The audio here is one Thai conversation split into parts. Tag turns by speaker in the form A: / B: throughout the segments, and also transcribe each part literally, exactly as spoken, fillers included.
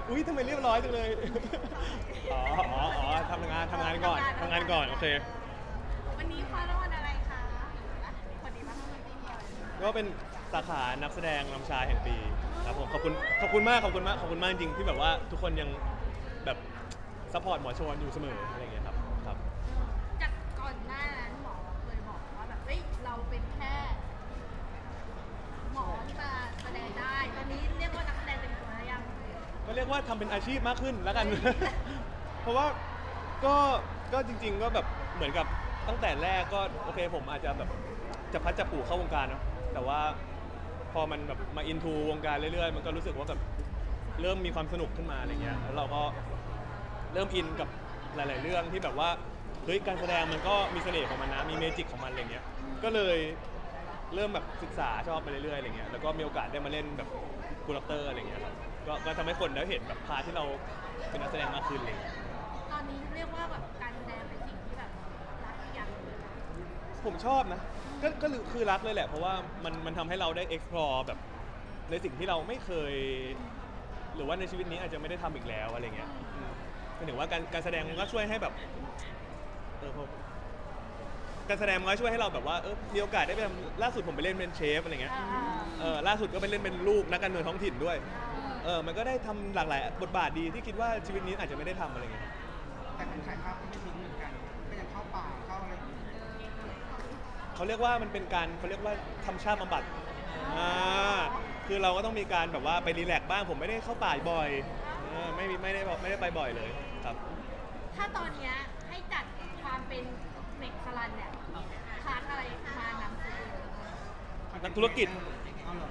A: อุ้ยทำไมเรียบร้อยจังเลยอ๋ออ๋ออ๋อทำงานทำงานก่อนทำงานก่อนโอเค
B: วันนี้คว้ารางวัลอะไรคะคนดีมากคนดีเดียว
A: ก็เป็นสาขานักแสดงนำชายแห่งปีครับผมขอบคุณขอบคุณมากขอบคุณมากขอบคุณมากจริงที่แบบว่าทุกคนยังแบบซัพพอร์ตหมอชวนอยู่เสมออะไรอย่างเงี้ยครับครับ
B: จากก่อนหน้านั้นหมอเคยบอกว่าแบบเฮ้ยเราเป็นแค่หมอที่มาแสดงได้ตอนนี้เรียกว่านักแสดงเต็มตัวแล้วยัง
A: ก็เรียกว่าทำเป็นอาชีพมากขึ้นแล้วกัน เพราะว่าก็ก็จริงๆก็แบบเหมือนกับตั้งแต่แรกก็โอเคผมอาจจะแบบจะพัดจะผูเข้าวงการเนาะแต่ว่าพอมันแบบมาอินทูวงการเรื่อยๆมันก็รู้สึกว่าแบบเริ่มมีความสนุกขึ้นมาอะไรเงี้ยแล้วเราก็เริ่มอินกับหลายๆเรื่องที่แบบว่าเฮ้ยการแสดงมันก็มีเสน่ห์ของมันนะมีเมจิกของมันอะไรเงี้ยก็เลยเริ่มแบบศึกษาชอบไปเรื่อยๆอะไรเงี้ยแล้วก็มีโอกาสได้มาเล่นแบบกูรักเตอร์อะไรเงี้ยครับก็ก็ทำให้คนได้เห็นแบบพาที่เราเป็นนักแสดงมากขึ้นเลย
B: ตอนนี้เรียกว่าแบบการแสดงเป็นสิ่งที่แบบรักอีกอย่างหนึ่งเลยนะ
A: ผมชอบนะก็ก็คือรักเลยแหละเพราะว่ามันมันทำให้เราได้ explore แบบในสิ่งที่เราไม่เคยหรือว่าในชีวิตนี้อาจจะไม่ได้ทำอีกแล้วอะไรเงี้ยหมายถึงว่าการการแสดงมันก็ช่วยให้แบบเออการแสดงมันก็ช่วยให้เราแบบว่าเออมีโอกาสได้ไปทำล่าสุดผมไปเล่นเป็นเชฟอะไรเงี้ยเออล่าสุดก็ไปเล่นเป็นลูกนักการเมืองท้องถิ่นด้วยเออมันก็ได้ทำหลากหลายบทบาทดีที่คิดว่าชีวิตนี้อาจจะไม่ได้ทำอะไรเงี้ย
C: แต่เป็นถ่ายภาพก็ไม่ทิ้งเหมือนกันก็ยังเข้าป่าเข้าอะไรอย่างเงี้ย
A: เขาเรียกว่ามันเป็นการเขาเรียกว่าทำชาติบำบัดอ่าคือเราก็ต้องมีการแบบว่าไปรีแลกซ์บ้างผมไม่ได้เข้าป่าบ่อยเออไม่ไม่ได้ไม่ได้ไปบ่อยเลยครับ
B: ถ้าตอนเนี้ยให้จัดความเป็นเด็กสลันเนี่ยคลาสอะไรมานำเสนอ
A: นักธุรกิจ
C: เอาเหรอ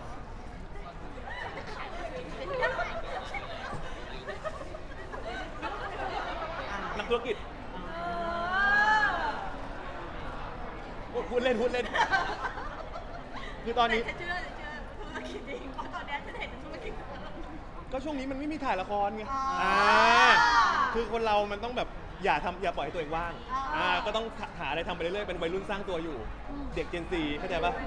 A: นักธุรกิจพูดเล่นพูดเล่นคือตอนนี้
B: จะเชื่อจะเชื่อธุรกิจจริงเพราะตอนนี้จะเห็นธุรกิจ
A: ก็ช่วงนี้มันไม่มีถ่ายละครไง
B: อ๋ออ่
A: อ่าคือคนเรามันต้องแบบอย่าทำอย่าปล่อยให้ตัวเองว่าง
B: อ๋ออ่
A: อ่าก็ต้องหาอะไรทำไปเรื่อยๆเป็นวัยรุ่นสร้างตัวอยู่ เด็กเจนซีเข้าใจปะ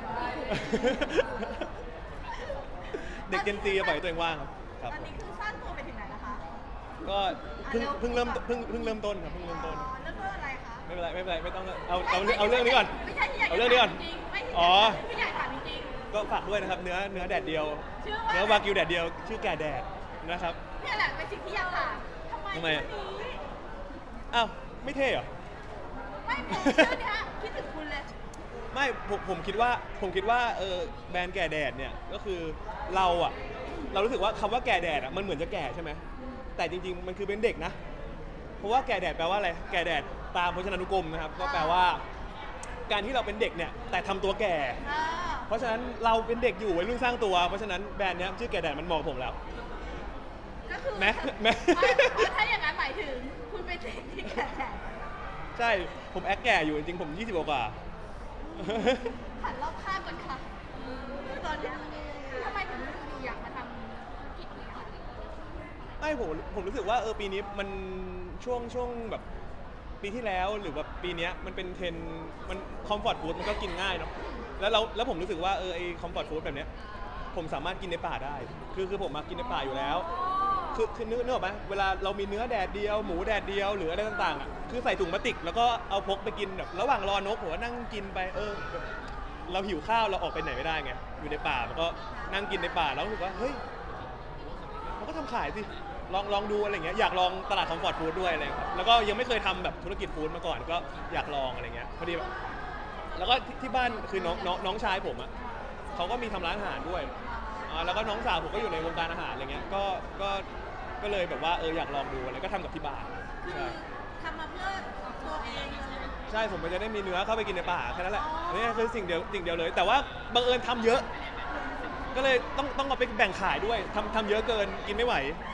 A: เด็กเจนซีอย่าปล่อยให้ตัวเองว่างครับ
B: ตอนนี้คือสร้างตัวไปถึงไหนแล้วคะ
A: ก็เพิ่งเพิ่งเริ่มเพิ่งเพิ่งเริ่มต้นครับเพิ่งเริ่มต้น
B: อ๋อเรื่องอะไรคะ
A: ไม่เป็นไรไม่เป็นไรไม่ต้องเอาเอาเอาเรื่องนี้ก่อน
B: ไม่ใช่ที่อยาก
A: เอาเรื่องนี้ก่อน
B: จริงไม่
A: อ๋อ
B: ที่อยากถามจริง
A: ก็ฝากด้วยนะครับเนื้อเนื้อแดดเดียว
B: ชื่อว่า
A: เนื้อวากิวแดดเดียวชื่อแก่แดดนะครับ
B: นี่แหละเป็นสิ่งที่อยากถามทำไม
A: ทำไม
B: ชื่อนี้
A: อ้าวไม่เท่เหรอ
B: ไม่ผมชื่อเนี้ยคิดถึงคุณเลย
A: ไม่ผมผมคิดว่าผมคิดว่าเออแบรนด์แก่แดดเนี่ยก็คือเราอะเรารู้สึกว่าคำว่าแก่แดดอะมันเหมือนจะแก่ใช่ไหมแต่จริงๆมันคือเป็นเด็กนะเพราะว่าแก่แดดแปลว่าอะไรแก่แดดตามพจนานุกรมนะครับก็แปลว่า การที่เราเป็นเด็กเนี่ยแต่ทำตัวแก่
B: อ่า
A: เพราะฉะนั้นเราเป็นเด็กอยู่วัยรุ่นสร้างตัวเพราะฉะนั้นแบรนด์เนี้ยชื่อแก่แดดมันเหมาะกับผมแล้ว
B: ก็คือ
A: แม้แม้
B: ไม่เพราะถ้าอย่างนั้นหมายถึงคุณเป็นเด็กที่แก่
A: ใช่ผมแอคแก่อยู่จริงๆผมยี่สิบกว่า
B: หันรอบข้างก่อนค่ะตอนเนี้ยทำไมถึงอยู่อยากมาทำธุรกิจนี้คะ
A: ไม่ผมผมรู้สึกว่าเออปีนี้มันช่วงช่วงแบบปีที่แล้วหรือแบบปีเนี้ยมันเป็นเทรนด์มันคอมฟอร์ตฟู้ดมันก็กินง่ายเนาะแล้วเราแล้วผมรู้สึกว่าเออไอคอมฟอร์ตฟู้ดแบบเนี้ยผมสามารถกินในป่าได้ คือคือผมมากินในป่าอยู่แล้ว คือคือเนื้อเนื้อออกไหมเวลาเรามีเนื้อแดดเดียวหมูแดดเดียวหรืออะไรต่างๆอ่ะคือใส่ถุงพลาสติกแล้วก็เอาพกไปกินแบบระหว่างรอนกผมก็นั่งกินไปเออแบบเราหิวข้าวเราออกไปไหนไม่ได้ไงอยู่ในป่ามันก็นั่งกินในป่าแล้วรู้สึกว่าเฮ้ยมันก็ทำขายสิลองลองดูอะไรเงี้ยอยากลองตลาดคอมฟอร์ตฟู้ดด้วยอะไรครับแล้วก็ยังไม่เคยทำแบบธุรกิจฟู้ดมาก่อนก็อยากลองอะไรเงี้ยพอดีแล้วก็ที่ที่บ้านคือน้องน้องน้องชายผมอ่ะเขาก็มีทำร้านอาหารด้วยอ่าแล้วก็น้องสาวผมก็อยู่ในวงการอาหารอะไรเงี้ยก็ก็ก็เลยแบบว่าเอออยากลองดูอะไรก็ทำกับที่บ้าน
B: คือ
A: ใช่
B: ทำมาเพื่อตัวเองเลย
A: ใช่ผมก็จะได้มีเนื้อเข้าไปกินในป่าแค่นั้นแหละนี่คือสิ่งเดียวสิ่งเดียวเลย แต่ว่าบังเอิญทำเยอะ ก็เลยต้องต้องเอาไปแบ่งขายด้วยทำทำเยอะเกินกินไม่ไหว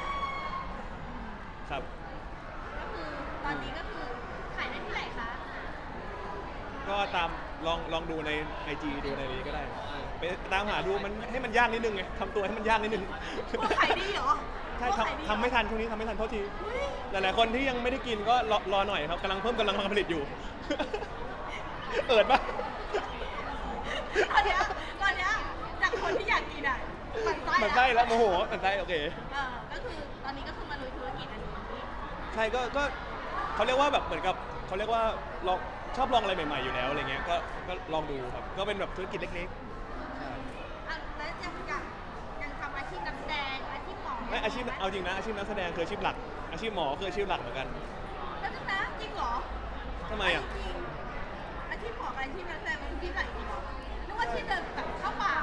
A: ครับ
B: ก็คือตอนนี้ก็คือขายได้ที่ไหนคะ
A: ก็ตามลองลองดูใน ไอ จี ดูในนี้ก็ได้ไปตามหาดูมันให้มันยากนิดนึงไงทำตัวให้มันยากนิดนึง
B: ตัวขายดีเหรอ
A: ใช่
B: ตัวขายดีเหรอ
A: ทำทำไม่ทันช่วงนี้ทำไม่ทันเท่าที
B: เฮ้ย
A: หลายๆคนที่ยังไม่ได้กินก็รอรอหน่อยครับกำลังเพิ่มกำลังการผลิตอยู่ เปิดปะ
B: ตอนเนี้ยตอนเนี้ยจากคนที่อยากกินอ่ะหมันไส้
A: มันไส้แล้วโมโหมันไส้โอเค
B: เออก็คือตอนนี้ก็คือ
A: ใช่ก็ก็เขาเรียกว่าแบบเหมือนกับเขาเรียกว่าลองชอบลองอะไรใหม่ๆอยู่แล้วอะไรเงี้ยก็ก็ลองดูครับก็เป็นแบบธุรกิจเล็กๆใช่
B: อ่ะแล้วยังอยากยังทำอาชีพนักแสดงอาชีพหมอ
A: ไม่อาชีพเอาจริงนะอาชีพนักแสดงคืออาชีพหลัก อาชีพหมอคืออาชีพหลักเหมือนกัน
B: แล้วนะจริงเหรอ
A: ทำไมอ่ะ
B: จริงอาชีพหมอกับอาชีพนักแสดงมันที่ไหนจริงเหรอนึกว่าที่เดินแบบเข้าป่าง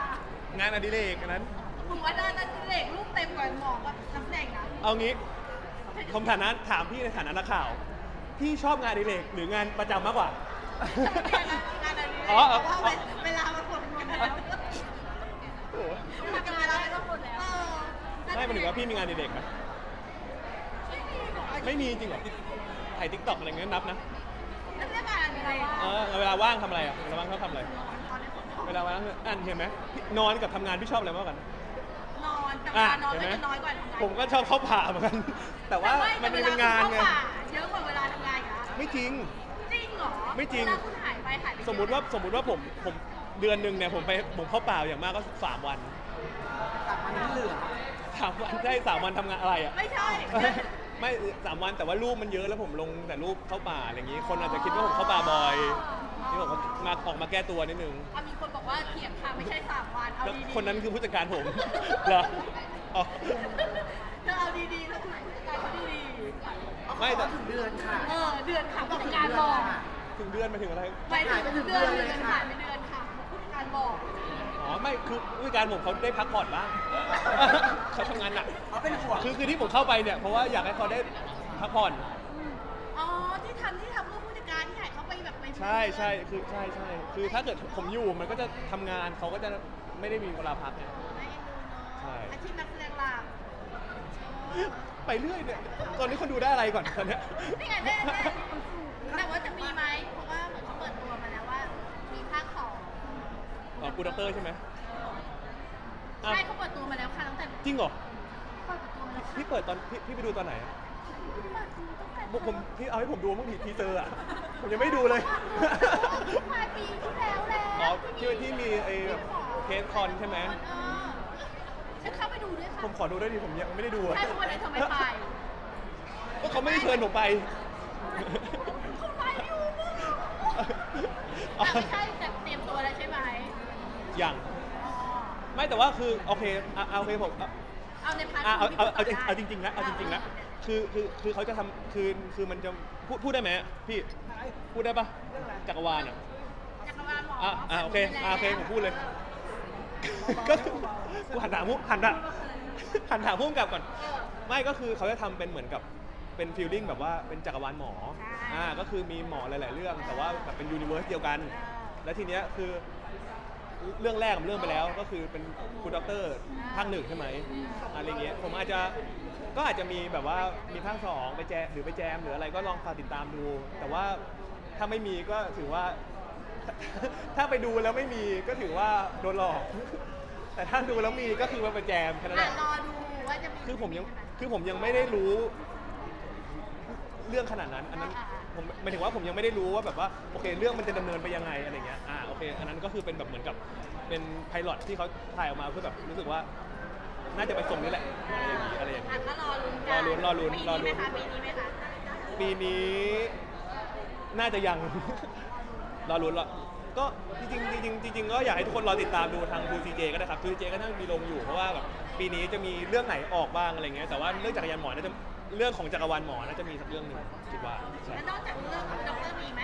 A: านอดิเรกอันนั้น
B: มึงว่าด้านนั้นเด็กลูกเต็มกว่าหมอกับนักแสดงนะ
A: เอางี้ผมฐานะถามพี่ในฐานะนักข่าว พี่ชอบงานอดิเรกหรืองานประจำมากกว่า
B: งานอะไร
A: อ๋อ
B: เพราะว่าเวลามันหมดหมดแล้ว
A: โอ้โห
B: ทำงานแล้วก็หมดแล้ว
A: ไม่หมายถึงว่าพี่มีงานอดิเรกไหม
B: ไม่มีหรอ
A: ไม่มีจริงเหรอถ่ายทิกตอกอะไรเงี้ยนับนะ
B: นักแสดงอะไร
A: เออเวลาว่างทำอะไรอ่ะเวลาว่างเขาทำอะไร
B: ตอนนี้ผม
A: เวลาว่างอ่านเห็นไหมนอนกับทำงานพี่ชอบอะไรมากกว่ากัน
B: นอนแต่เว
A: อ่ะ
B: ลานอน
A: เห็น
B: ก็
A: ไหม
B: จะน้อยกว่าทำงาน
A: ผมก็ชอบเข้าป่าเหมือนกัน แต่ว่ามันเป็นงานไง
B: เยอะกว่าเวลาทำงานอีกนะ
A: ไม่จริง
B: จริงเหรอ
A: ไม่จริง
B: เวลาคุณหายไปหายไป
A: สมมุติว่าสมมุติว่าผมผมเดือนหนึ่งเนี่ยผมไปผมเข้าป่าอย่างมากก็สามวัน
C: จากมันที่เหลือ
A: สามวันใช่สามวันทำงานอะไรอ่ะ
B: ไม่ใช่
A: ไม่สามวันแต่ว่ารูปมันเยอะแล้วผมลงแต่รูปเข้าป่าอะไรอย่างงี้ คนอาจจะคิดว่าผมเข้าป่าบ่อยนี่ผมก็มาออกมาแก้ตัวนิดนึง
B: อ่ะมีคนบอกว่าเถียงค่ะไม่ใช่สามวันเอา
A: แล้ว
B: ดีๆ
A: คนนั้นคือผู้จัดการผม เหรออ๋อ
B: เธอเอาดีๆแล้วคุณผู้จัดการเขาดี
A: ไม่แต่
C: ถึงเดือนค่ะ
B: ๆเออเดือนค่ะผู้จัดการบอก
A: ถึงเดือนมาถึงอะไร
B: หมายถึงเดือนเดือนผ่านไปเดือนค่ะผู้จัดการบอก
A: อ๋อไม่คือผู้จัดการผมเขาได้พักผ่อนบ้าง เขาทำงานหนัก
C: เขาเป็นห่วง
A: คือคือที่ผมเข้าไปเนี่ยเพราะว่าอยากให้เขาได้พักผ่อน
B: อ๋อที่ทำที่ทำเพื่อผู้จัดการที่หายเขาไปแบบไป
A: ใช่ใช่คือใช่ใช่คือถ้าเกิดผมอยู่มันก็จะทำงานเขาก็จะไม่ได้มีเวลาพักไง
B: ไม่เอ็นดูเนอะ
A: ใช่
B: อาชีพนักแสดงหลัก
A: ไปเรื่อยเนี่ยตอนนี้คนดูได้อะไรก่อนตอนเนี้ย
B: นี่ไงแน่ๆแต่ว่าจะมีไหมเพราะว่าเหมือนเขาเปิดตัวมาแล้วว่า มีภาคสอง
A: อ๋อกูด็อกเตอร์ใช่ไหมอ่ะ
B: ใช่เขาเปิดตัวมาแล้วค่ะตั้งแต่
A: จริงเหรอ
B: เปิดตัวมาแล้วค่ะ
A: พี่เปิดตอนพี่พี่ไปดูตอนไหนอะ
B: เปิดตัวตั้งแต่
A: ผมผมพี่เอาให้ผมดูบ้างทีทีเซอร์อะผมยังไม่ดูเลย
B: ปลายปีที่แล้วแล้ว
A: อ๋อที่ที่มีไอ้แบบเคสคอนใช่ไหม
B: เออฉันเข้าไปดูด้วยค่ะ
A: ผมขอดูด้วยดิผมยังไม่ได้ดูอะ
B: ใช่วันนั้นทำไมไป
A: ก็เขาไม่ได้เชิญผมไป
B: เขาไปอยู่มึงแต่ไม่ใช่แต่เตรียมตัวแล้วใช่ไหม
A: อย่าง
B: อ๋อ
A: ไม่แต่ว่าคือโอเคอ่ะเอาโอเคผมอ่ะ
B: เอาในพาร์ท
A: อ่ะเอาเอาเอา
B: ที่
A: เอาจริงๆนะเอาจริงๆนะคือคือคือเขาจะทำคือคือมันจะพูดพูดได้ไหมพี่พูดได้ปะจักรวาลอ่ะ
B: จักรวาลหมอ
A: อ่ะอ่ะโอเค
B: ไปแล้ว
A: อ่ะโอเคผมพูดเลย ก็คือกูหันถามมุหันถามหันถามพุ่มกับก่อน
B: เออ
A: ไม่ก็คือเขาจะทำเป็นเหมือนกับเป็นฟีลลิ่งแบบว่าเป็นจักรวาลหมอ
B: ใช่
A: อ่าก็คือมีหมอหลาย ๆ เรื่อง แต่ว่าแบบเป็นยูนิเวอร์สเดียวกัน
B: เออ
A: แล้วทีเนี้ยคือเรื่องแรกกับเรื่องไปแล้วก็คือเป็นคุณด็อกเตอร์ภาคหนึ่งใช่ไหมอะไรเงี้ยผมอาจจะก็อาจจะมีแบบว่ามีภาคสองไปแจมหรือไปแจมหรืออะไรก็ลองฝากติดตามดู แต่ว่าถ้าไม่มีก็ถือว่า ถ้าไปดูแล้วไม่มีก็ถือว่าโดนหลอก แต่ถ้าดูแล้วมีก็คือมาไปแจมแค่นั้นแห
B: อ่ะ
A: ละ
B: รอดูว่าจะมี
A: คือผมยัง
B: ใช่ไห
A: คือผมยังไม่ได้รู้เรื่องขนาดนั้น อันนั้น
B: อ่าอ่า
A: ผมหมายถึงว่าผมยังไม่ได้รู้ว่าแบบว่าโอเคเรื่องมันจะดำเนินไปยังไงอะไรเงี้ย อ่าโอเค อันนั้นก็คือเป็นแบบเหมือนกับเป็นไพลอตที่เขาถ่ายออกมาเพื่อแบบรู้สึกว่า น่าจะไปส่งนี่แหละ อะไรอย่างงี้อะไรอย่าง
B: อ่ะ
A: งี้
B: ก็รอลุ้น
A: รอลุ้นรอลุ้นรอลุ้น
B: ปีนี้ไหมคะปีนี้ไหมคะ
A: ปีนี้น่าจะยัง รอลุ้นรอก็จริงๆจริงๆจริงๆก็อยากให้ทุกคนรอติดตามดูทาง ทู ซี เจ ก็ได้ครับ ทู ซี เจ ก็น่าจะมีลงอยู่เพราะว่าแบบปีนี้จะมีเรื่องไหนออกบ้างอะไรเงี้ย แต่ว่าเรื่องจักรยานหมอน่าจะเรื่องของจักรวาลหมอน่าจะมีสักเรื่องหนึ่งคิดว่าใช่
B: แล้วนอกจากเรื่องของด็อกเตอร์มีไหม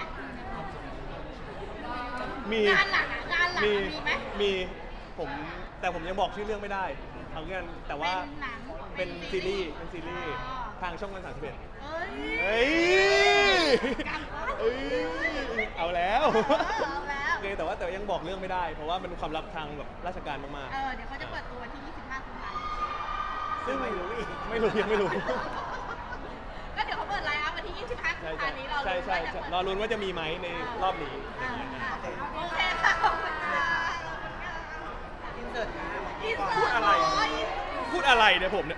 A: มี
B: งานหลักอะงานหลัก
A: มี
B: อะมีไหม
A: มีผมแต่ผมยังบอกชื่อเรื่องไม่ได้เอาเงี้ยแต่ว่า
B: เป็นหนัง
A: เป็นซีรีส์เป็นซีรีส์
B: อ๋อ
A: ทางช่องวันสามสิบเอ็ด
B: เอ้ย
A: เฮ้ย
B: กลับบ้าน
A: เอ้ยเอาแล้ว
B: เออเอาแล้ว
A: โอเคแต่ว่าแต่ว่ายังบอกเรื่องไม่ได้ เพราะว่ามันเป็นความลับทางแบบราชการมาก
B: เออเดี๋ยวเขาจะเปิดตัวที่ยี่สิบห้ากุมภาพันธ์
A: ๆซึ่งไม่รู้อีกไม่รู้ยังไม่รู้
B: ก็เดี๋ยวเขาเปิดไลน์อัพวันที่ยี่สิบห้ากุม
A: ใช่
B: ภาพันธ์นี้เรา
A: ใช่
B: รู้
A: ใช่
B: ว่าจะ
A: ใช่
B: เปิด
A: รอลุ้นว่าจะมีไหมในรอบนี้อะไร
B: อ่า
A: อย่างเงี้ย
B: อ่าโอเคค่ะขอบคุณค่ะ
C: อินเสิร์ตค่ะ
B: อินเสิร์ต
A: พูดอะไร
B: ร้อย
A: พูดอะไรเนี่ยผมเนี่ย